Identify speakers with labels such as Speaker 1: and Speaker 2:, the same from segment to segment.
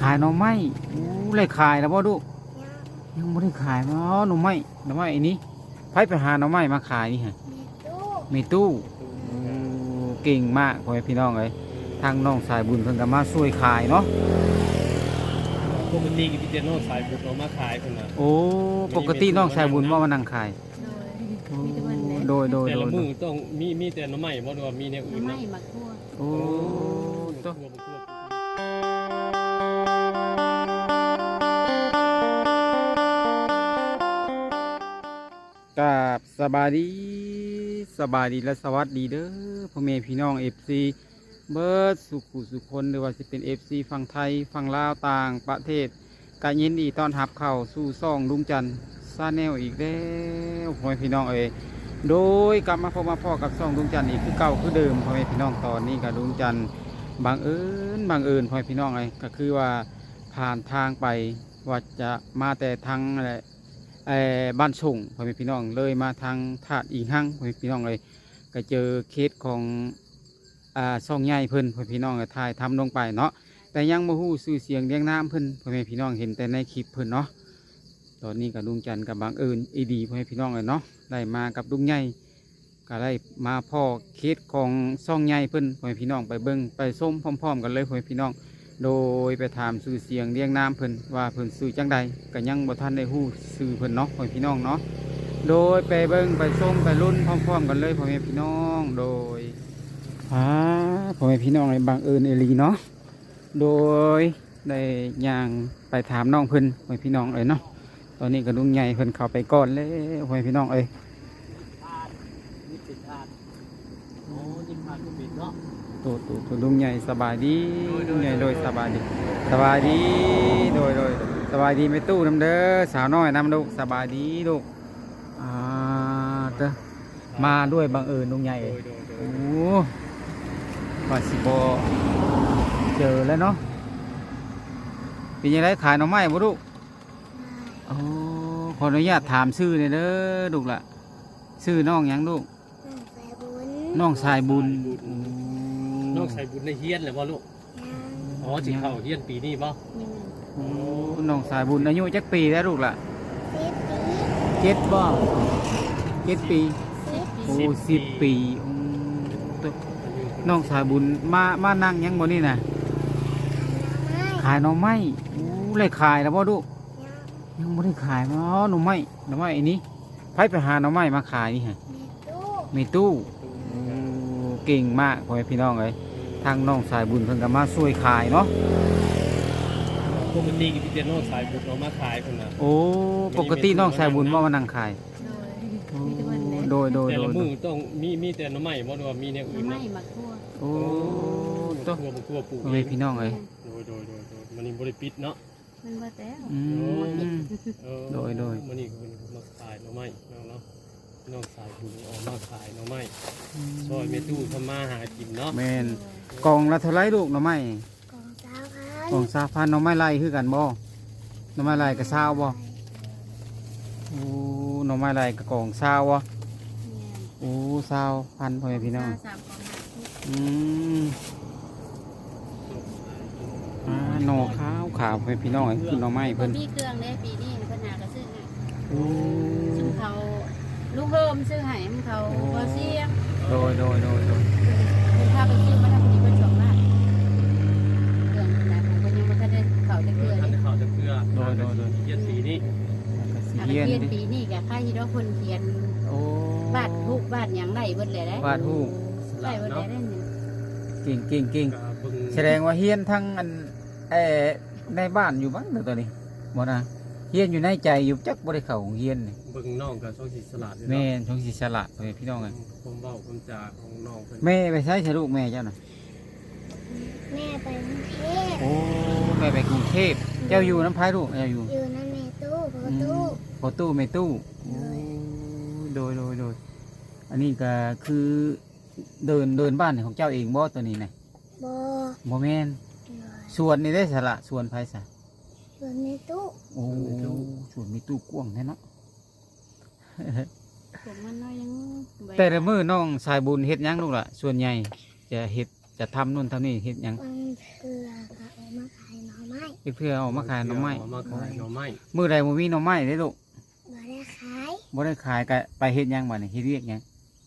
Speaker 1: ายหน่อไม้เลยขายแล้วบ่ลูกยังไม่ได้ขายมาหน่อไม้อันนี้ไผไปหาหน่อไม้มาขายนี่ฮะมีตู้เก่งมากพ่อแม่พี่น้องเลยทางน้องสายบุญเพิ่นก็มาช่วยขายเนาะ
Speaker 2: ปกติพี่เจน้องสายบุญเอามาขายคนน่ะ
Speaker 1: โอ้ปกติน้องสายบุญว่ามานั่งขายโดย
Speaker 2: แต่ละมือต้องมีแต่หน่อไม้บ่ว่ามีแนวอื่นเนาะ
Speaker 3: มาทั่ว
Speaker 1: โอ้ตัวกับสบายดีและสวัสดีเด้อพ่อแม่พี่น้อง FC เบิร์ดสุขุสุคนหรือว่าจะเป็น FC ฝั่งไทยฝั่งลาวต่างประเทศการยินดีต้อนรับเข้าสู่ซ่องลุงจันทร์ซาแนลอีกแล้วพ่อแม่พี่น้องโดยกลับมาพบมาพ่อกับซ่องลุงจันทร์อีกคือเก่าคือเดิมพ่อแม่พี่น้องตอนนี้กับลุงจันทร์บังเอิญพ่อแม่พี่น้องก็คือว่าผ่านทางไปว่าจะมาแต่ทางอะไรบ้านส่งพ่อแม่พี่น้องเลยมาทางถาดอีหั่งพ่อแม่พี่น้องเลยก็เจอเคสของซ่องใหญ่เพิ่นพ่อแม่พี่น้องก็ถ่ายทำลงไปเนาะแต่ยังบ่ฮู้ชื่อเสียงเรียงนามเพิ่นพ่อแม่พี่น้องเห็นแต่ในคลิปเพิ่นเนาะตอนนี้กับลุงจันทร์กับบังเอิญดีพ่อแม่พี่น้องเลยเนาะได้มากับลุงใหญ่ก็ได้มาพ่อเคสของซ่องใหญ่เพิ่นพ่อแม่พี่น้องไปเบิ่งไปส้มพร้อมๆกันเลยพ่อแม่พี่น้องโดยไปถามชื่อเสียงเรียงนามเพิ่นว่าเพิ่นชื่อจังใดก็ยังบ่ทันได้ฮู้ชื่อเพิ่นเนาะพ่อแม่พี่น้องเนาะโดยไปเบิ่งไปส้มไปลุ้นพร้อมๆกันเลยพ่อแม่พี่น้องโดยพ่อแม่พี่น้องในบังเอิญเนาะโดยได้ย่างไปถามน้องเพิ่นพ่อแม่พี่น้องเนาะตอนนี้ก็ลุงใหญ่เพิ่นเข้าไปก่อนเลยพ่อแม่พี่น้อง
Speaker 2: นี่ติดทานโอ้ยิงทานก็ปิดเนาะ
Speaker 1: ตัวลุงใหญ่สบายดีลุงใหญ่โดยสบายดีโดยสบายดีไม่ตู้น้ำเด้อสาวน้อยน้ำลูกสบายดีลูกมาด้วยบังเอิญลุงใหญ่โอ้ปัสสิบเจอแล้วเนาะเป็นยังไงขายหน่อไม้บ่ลูกโอ้ขออนุญาตถามชื่อเลยเด้อลูกละชื่อน้องยังลูกน้องสายบุญ
Speaker 2: น้องสายบุญในเฮียนเลยบ่ลูกอ๋อจิเข้าเฮียนปีนี้บ่
Speaker 1: น้องสายบุญอายุจักปีแล้วลูกล่ะ7บ่7 ปีโอ้10 ปีน้องสายบุญมานั่งยังบ่นี่นะขายหน่อไม้เลยขายแล้วบ่ลูกยังไม่ได้ขายมาหน่อไม้อันนี้ไผไปหาหน่อไม้มาขายนี่ฮะมีตู้เก่งมากพ่อแม่พี่น้องเลยทางน้องสายบุญเพิ่นก็มาช่วยขายเนาะ
Speaker 2: ปกติพี่เจน้องสายบุญเอามาขายคนน่ะ
Speaker 1: โอ้ปกติน้องสายบุญว่ามานั่งขายโดย
Speaker 2: แต่ละมือต้องมีแต่หน่อไม้บ่ว่ามีแนวอื่นเนาะ
Speaker 3: มาทั่ว
Speaker 1: โอ้
Speaker 2: ตัวปลูก
Speaker 1: พ่อแม่พี่น้องเลย
Speaker 2: โดยมันนี่บ่ได้ปิดเนาะ
Speaker 3: มันบ่แต่
Speaker 1: โดย
Speaker 2: มันนี่คือมาขายหน่อไม้เนาะน้องสายบุญออกมาขายหน่อไม้ซอยเมตู้ทำมาหากินเนาะ
Speaker 1: แม่นกองละเท่าไรลูกหน่อไม้กอง20,000หน่อไม้ไร่คือกันบ่หน่อไม้ไร่ก็20บ่โอ้หน่อไม้ไร่ก็กอง20บ่โอ้20,000พ่อแม่พี่น้องหน่อขาวพ่อแม่พี่น้องคือหน่อไม้เพิ่น
Speaker 3: มีเครื่องได้ปีนี้เพิ่นหาก็ซื้อให้ซึ่งเขาลูกเพิ่มซื้อให้เขาบ่เสียง
Speaker 1: โดย
Speaker 3: ถ้าไปซื้อมาทำดีเพิ่น2 ล้านเครื่องนะผมก็ยังบ่ทันได้เข้าจักเทื่อนี่
Speaker 2: เข้าจักเทื่อโดยเฮียนปีนี้
Speaker 3: เฮียนปีนี้ก็ค่าที่เราเพิ่นเขียนบาทฮูกบาทหยังได้เบิดเลยได้
Speaker 1: บาทฮูก
Speaker 3: ได้เบิดได้
Speaker 1: นี่เก่งแสดงว่าเฮียนทั้งอันในบ้านอยู่บ้างเดี๋ยวตอนนี้บ่นะเฮียนอยู่ในใจอยู่จักบ่ได้เข้าของเฮียนนี่
Speaker 2: เบิ่งน้องกับช่องสีสลัด
Speaker 1: แม่ช่องสีสลัดพี่น้องไง
Speaker 2: ผมเว้าผมจาของน้องเพิ่น
Speaker 1: แม่ไปใช้ลูกแม่เจ้าน่ะ
Speaker 4: แม่ไปกรุงเทพ
Speaker 1: โอ้แม่ไปกรุงเทพเจ้าอยู่น้ำพายลูกเจ้าอยู่
Speaker 4: น้ำแม่ตู้
Speaker 1: พอตู้แม่ตู้โดยอันนี้ก็คือเดินบ้านของเจ้าเองบ่ตัวนี้นะบ่แม่นส่วนนี้ได้สละส่วนไผซะ
Speaker 4: ส่วนแม่ตู้
Speaker 1: โอ้ส่วนมีตู้กว้างแท้เนาะ
Speaker 3: ผมมันน้อยยัง
Speaker 1: แต่ละมื้อน้องสายบุญเฮ็ดหยังลูกล่ะส่วนใหญ่จะเฮ็ดจะทำนู่นทำนี่เฮ็ดหยัง
Speaker 4: บางเทื่อก็เอามาขายหน่อไม้
Speaker 1: เพื่อเอามาขายหน่อไม้
Speaker 2: เอามาขายหน่อไม้
Speaker 1: มื้อใดบ่มีหน่อไม้เด้ลูก
Speaker 4: บ่ได้ขาย
Speaker 1: บ่ได้ขายก็ไปเฮ็ดหยังบัดนี้เฮ็ดเวียกหยัง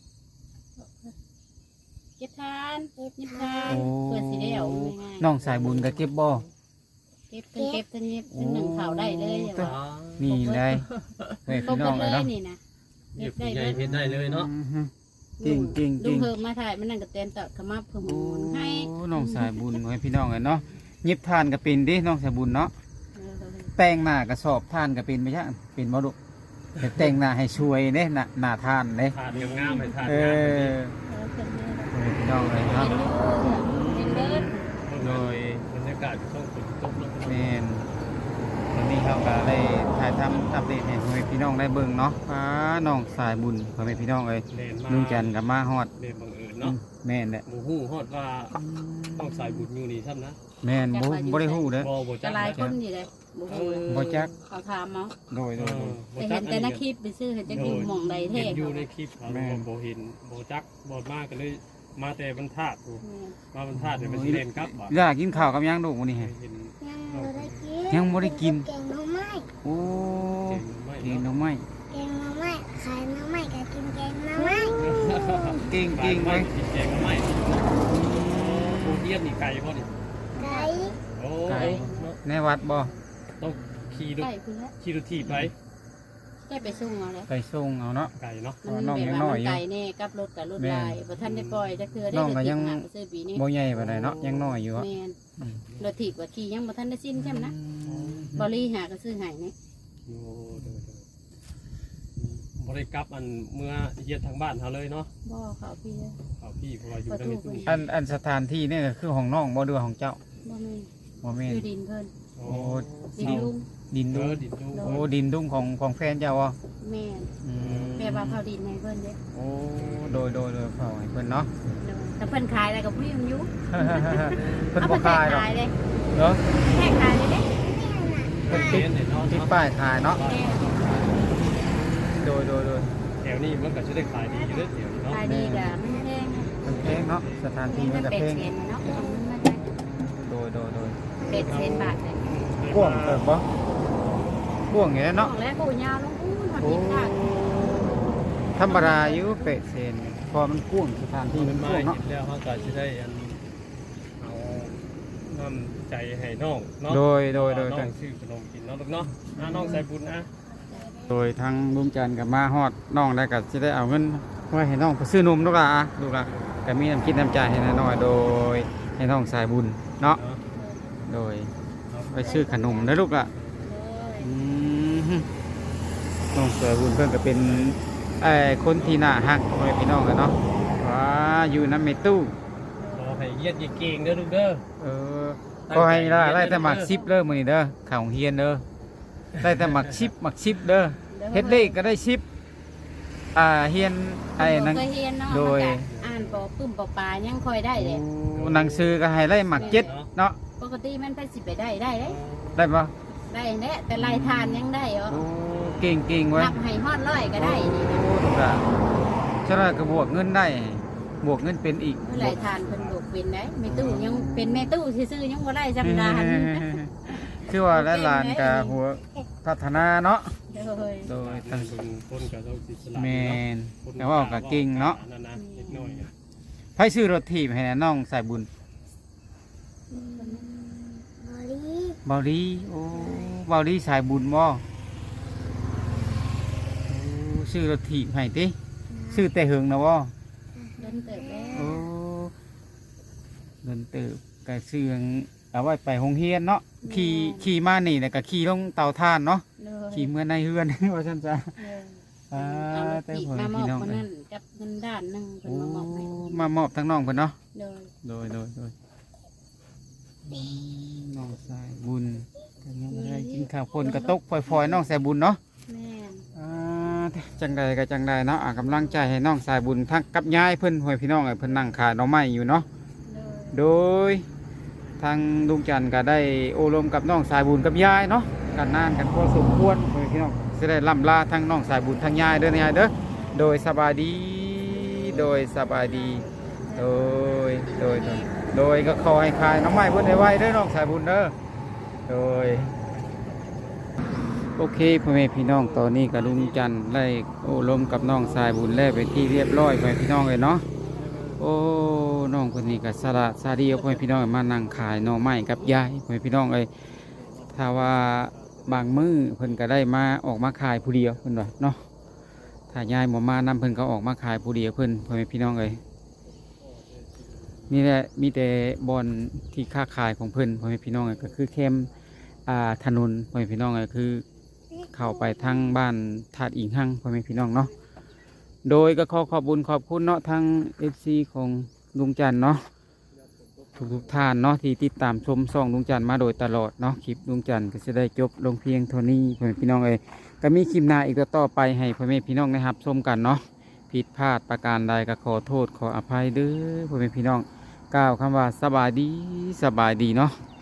Speaker 3: เก็บทานเก็บทาน
Speaker 1: โอ้
Speaker 3: เพื่อสิได้เอาง่ายๆ
Speaker 1: น้องสายบุญก็เก็บบ่
Speaker 3: เก็บทั้งเก็บทั้งเก็บทั้งหนึ่งเข่าได้เลยอย่าว่า
Speaker 1: นี่ได้เฮ้ย
Speaker 3: ครบ
Speaker 1: พี่น้อง
Speaker 3: หม
Speaker 1: เล
Speaker 3: ด
Speaker 1: ย
Speaker 3: เลย
Speaker 1: เนาะ
Speaker 3: นี่นะ
Speaker 2: เก็บใหญ่เฮ็ดได้เลยเนาะ
Speaker 1: อือฮึจริงจริงจ
Speaker 3: ลุ
Speaker 1: ริ
Speaker 3: ง
Speaker 1: ง
Speaker 3: เพิ่มมาถ่ายมันนั่งกับเต้นตอดขมับเพิ่ม
Speaker 1: โอ้
Speaker 3: มูลให้
Speaker 1: น้องสายบุญให้พี่น้องเลยเนาะยิบทานก็เป็นดิน้องสายบุญเนาะ
Speaker 3: เออ
Speaker 1: แต่งหน้ากระสอบทานก็เป็นไปจ้ะเป็นบ่ลูกแต่แต่งหน้าให้ช่วยเด้หน้าทานเด้
Speaker 2: ทานงามๆให้ทาน
Speaker 1: เอง
Speaker 2: าม
Speaker 1: อ
Speaker 3: เออเป็นเลย
Speaker 1: ให้พี่น้องเลยเนาะ
Speaker 3: เป็นเบิร์ด
Speaker 1: โดย
Speaker 2: บรรยากาศช่วงฝนตกแล้ว
Speaker 1: แม่นตอนนี้เขาก็ได้ถ่ายทำอัปเดตให้พ่อแม่พี่น้องได้เบิ่งเนาะฟ้าน้องสายบุญพ่อแม่พี่น้องเอ้ย
Speaker 2: เล่นมา
Speaker 1: ลุงจันทร์กับมาฮอด
Speaker 2: เล่นบังเอิญเนาะ
Speaker 1: แม่นแหละ
Speaker 2: หมู่ฮู้ฮอดว่าต้องสายบุญอยู่นี่ซ้ำนะ
Speaker 1: แม่นบ่ได้ฮู้เด้อ
Speaker 2: บ่
Speaker 3: จะ
Speaker 2: จัก
Speaker 3: หลาย
Speaker 2: นะ
Speaker 3: คนอยู่เลยบุกเลย
Speaker 1: บ่จัก
Speaker 3: เขาถามเนาะ
Speaker 1: โดย
Speaker 2: เออบ่
Speaker 3: แต่
Speaker 2: จั
Speaker 3: เห็
Speaker 2: ก
Speaker 3: นแต่ในคลิปไปซื้อเห็นจะอยู่หม่องใดเท่
Speaker 2: เห็นอยู่ในคลิปเขา
Speaker 1: แม่น
Speaker 2: บ่เห็นบ่จักบ่มากก็เลยมาแต่บรรทัดโอ้มาบรรทัดเดี๋ยวมันสิเล่นกลับบ่
Speaker 1: อยากกินข้าวกับหยังลูกมื้อนี้ฮะ
Speaker 2: เห็น
Speaker 4: ยังบ่ได้กิน
Speaker 1: ยังบ่ได้กิน
Speaker 4: แกงหน่อไม้
Speaker 1: โอ้
Speaker 2: เก่งไม่
Speaker 1: กิน
Speaker 2: เนาะ
Speaker 1: หน่อไม้
Speaker 4: แกงหน่อไม้ขายหน่อไม้ก็กินแกงหน่อไม้
Speaker 1: เก่งเก่ง
Speaker 2: ไป
Speaker 1: ไว้
Speaker 2: กินแกงไม่ผู้เทียนนี่ไก่บ่นี่
Speaker 4: ไก่
Speaker 2: โอ้
Speaker 1: ในวัดบ่
Speaker 2: ต้องขี่รถ
Speaker 3: ใกล้คุณแล้ว
Speaker 2: ขี่รถถีบไป
Speaker 3: ใกล้ไปส่งเอาแล้ว
Speaker 1: ไปส่งเอาเนาะ
Speaker 2: ไก่เนาะ
Speaker 3: มัน
Speaker 1: น้อง
Speaker 3: แบ
Speaker 1: ยั
Speaker 3: บ
Speaker 1: งน้
Speaker 3: ว่า
Speaker 1: อยอยู่
Speaker 3: มันไก่แน่กับรถกับรถลายบ่ทันได้ปล่อยจะคือได้
Speaker 1: น้อง
Speaker 3: รถ
Speaker 1: ก็
Speaker 3: ถี
Speaker 1: ยั
Speaker 3: บ
Speaker 1: ง
Speaker 3: หาไปซื้อปีนี้
Speaker 1: บ่ใหญ่ปานใดเนาะยังน้อยอยู่อะ
Speaker 3: แม่นรถถีบว่าขี่ยังบ่ทันได้สิ้นใช่ไหมนะบริหาก็ซื้อให้นี่
Speaker 2: โอ้เดี๋ยวบริกลับอันเมื่อเยียดทางบ้านเขาเลยเนาะ
Speaker 3: บ่เขาพี่เด้อ
Speaker 2: เขาพี่เพราะว่าอยู่ในตู้
Speaker 1: อันสถานที่นี่ก็คือของน้องบ่เดือของเจ้า
Speaker 3: บ่แม่น
Speaker 1: บ่แม่น
Speaker 3: คือดินเพิ่น
Speaker 2: โอ้
Speaker 1: โอ้
Speaker 3: ดินลุง
Speaker 1: ดิน
Speaker 2: เอ
Speaker 1: ดุง
Speaker 2: อดินดู
Speaker 1: โอ้ดินดุงของแฟนเจ้าอ่ะ
Speaker 3: แม่น
Speaker 1: อืม
Speaker 3: แม่ว่าเขาดินให้เพิ่นเด้อ
Speaker 1: โอ้โดยเผาให้เพิ่นเนาะ
Speaker 3: แต่เพิ่นขายอะไรกับพี่มันอยู่
Speaker 1: เพิ่น
Speaker 3: เอา
Speaker 1: บ่
Speaker 3: ไปแท
Speaker 1: ขาย
Speaker 3: ก
Speaker 1: หรอก
Speaker 3: ขายเลย
Speaker 1: เนาะ
Speaker 3: แทกขายเลยเด้
Speaker 1: เพิ่น
Speaker 2: เที
Speaker 1: ติ
Speaker 2: ย
Speaker 1: ด
Speaker 2: นเนี่ยเนาะ
Speaker 1: ติดป้ายขายเนาะ
Speaker 3: แม่
Speaker 1: โดย
Speaker 2: แถวนี้มันก็จะได้ขายดีอยู่เลยแถวนี้เนาะ
Speaker 3: ขายดีกะมันแพง
Speaker 1: มันแพงเนาะสถานที่มันก็
Speaker 3: เป็ด
Speaker 1: แพง
Speaker 3: เซนเนาะมันมาจาก
Speaker 1: โดย
Speaker 3: เป็ดเซนบาทเลย
Speaker 1: กว้างเติบบ่กว้างอย่างนี้
Speaker 3: น้อ
Speaker 1: เนาะ
Speaker 3: งแล้วกูยาวลงอู้หอด
Speaker 1: โอ้
Speaker 3: ทิศทาง
Speaker 1: ธรรมดาอยู่เป็ดเซนพอมันกว้างสถานที่
Speaker 2: ที่
Speaker 1: มั
Speaker 2: มัน น
Speaker 1: ก
Speaker 2: มา
Speaker 1: ว้าง
Speaker 2: เห็
Speaker 1: เนาะ
Speaker 2: นแล้วเขาก็จะได้อันเอาน้ำใจให้น้องเนาะ
Speaker 1: โดย
Speaker 2: น้องซื้อขนมกินเนาะลูกเนาะน้องใส่บุญนะ
Speaker 1: โดยทางลุงจันทร์กับมาฮอดน้องได้ก็จะได้เอาเงินไว้ให้น้องไปซื้อนมลูกหล่ะลูกหล่ะก็มีน้ำคิดน้ำใจให้น้อยๆโดยให้น้องสายบุญเนาะโดยไปซื้อขนมนะลูกหล่ะอืมน้องสายบุญเพิ่นก็เป็นคนที่น่าฮักพ่อแม่พี่น้องกันเนาะว้าอยู่น้ำเมตู้
Speaker 2: ขอให้เยียดเก่งเด้อลูกเด้อ
Speaker 1: เออก็ให้ไล่แต่หมักซิปเด้อมื้อนี้เด้อข่าวเฮียนเด้อได้แต่หมักชิปเด้อเฮ็ดเลขก็ได้ชิปเฮียนไอ้หนัง
Speaker 3: เคยเฮียนเนาะ
Speaker 1: โดย
Speaker 3: อ่านปอปึ้มปอปลายังค่อยได้เลย
Speaker 1: หนังสือก็ให้ไล่หมักเจ็ดเนาะ
Speaker 3: ปกติมันไปสิไปได้ได้เลย
Speaker 1: ได้ปะ
Speaker 3: ได้แน่แต่ลายทานยังได้เหรอ
Speaker 1: โอ้เก่งไว้
Speaker 3: นับให้ฮอดร้อยก็ได้นี่นะ
Speaker 1: โอ้ถูกละฉะนั้นก็บวกเงินได้ บวกเงินเป็นอีก
Speaker 3: เมื่อไรทานเพิ่นลูกเป็นได้แม่ตู้ยังเป็นแม่ตู้ซื่อๆยังบ่ได้จำดาน
Speaker 1: คือว่าหลานๆกับหัวพัฒนาเนาะ
Speaker 3: โดย
Speaker 1: โดย
Speaker 2: ตั้
Speaker 1: ตั้
Speaker 2: ง
Speaker 1: ง
Speaker 2: คนกับเราสิสละ
Speaker 1: แมนแต่ว่าก็เก่งเนาะ
Speaker 2: นั่นนะเล็กน้อย
Speaker 1: ไผซื้อรถถีบให้น้องสายบุญ
Speaker 4: บอลี่
Speaker 1: เบาดีโอ้เบาดีสายบุญบ่โอ้ซื้อรถถีบให้ติซื้อแต่เหิงนะบ่
Speaker 3: เดินเติบแล้ว
Speaker 1: โอ้เดินเติบกะเสื่องเอาไว้ไปโรงเรียนเนาะขี่มานี่แล้วก็ขี่ลงเตาถ่านเนาะ
Speaker 3: เลย
Speaker 1: ขี่เมื่อในเฮือน ว่าซั่นจ้ะ อ่า
Speaker 3: แต่
Speaker 1: แต่
Speaker 3: ผ
Speaker 1: ผม
Speaker 3: มาม
Speaker 1: พี่
Speaker 3: อบ
Speaker 1: น้อง
Speaker 3: คนนั้นกับเงินด้านหนึงเพิ่น
Speaker 1: โอ้
Speaker 3: มามอบให้
Speaker 1: มามอบทั้งน้องเพิ่นเนาะ
Speaker 3: เลย
Speaker 1: โดยน้องสายบุญก็ยังบ่ได้กินข้าวคนกระตกฝอยๆน้องสายบุญเนาะ
Speaker 3: แม่น
Speaker 1: อ่าจังใดก็จังใดเนาะกำลังใจให้น้องสายบุญทั้งกับยายเพิ่นหวยพี่น้องเพิ่นนั่งขายหน่อไม้อยู่เนาะ
Speaker 3: เลย
Speaker 1: โดยทางลุงจันทร์ก็ได้โอรมกับน้องสายบุญกับยายเนาะกันนานกันพอสมควรหวยพี่น้องจะได้ล่ำลาทั้งน้องสายบุญทั้งยายเด้อยายเด้อโดยสบายดีโดยสบายดีโดยโดยก็ขอให้ขายน้องใหม่เพิ่นได้ไว้เด้อน้องสายบุญเด้อโดยโอเคพ่อแม่พี่น้องตอนนี้ก็ลุงจันทร์ได้โอ้ลมกับน้องสายบุญแล้วไปที่เรียบร้อยพ่อแม่พี่น้องเลยเนาะโอ้น้องคนนี้ก็สละซาดีเอาพ่อแม่พี่น้องมานั่งขายหน่อไม้กับยายพ่อแม่พี่น้องเลยถ้าว่าบางมื้อเพิ่นก็ได้มาออกมาขายผู้เดียวเพิ่นว่าเนาะถ้ายายบ่มานำเพิ่นก็ออกมาขายผู้เดียวเพิ่นพ่อแม่พี่น้องเลยนี่แหละมีแต่บอนที่ค้าขายของเพิ่นพ่อแม่พี่น้องเลยก็คือเข้มถนนพ่อแม่พี่น้องเลยคือเข้าไปทางบ้านธาตุอิงหังพ่อแม่พี่น้องเนาะโดยก็ขอบคุญขอบคุณเนาะทาง FC ของลุงจันทร์เนาะทุกท่านเนาะที่ติดตามชมช่องลุงจันทร์มาโดยตลอดเนาะคลิปลุงจันทร์ก็จะได้จบลงเพียงเท่านี้พ่อแม่พี่น้องเลยก็มีคลิปหน้าอีกต่อไปให้พ่อแม่พี่น้องได้รับชมกันเนาะผิดพลาดประการใดก็ขอโทษขออภัยเด้อพ่อแม่พี่น้องกล่าวคำว่าสบายดีเนาะ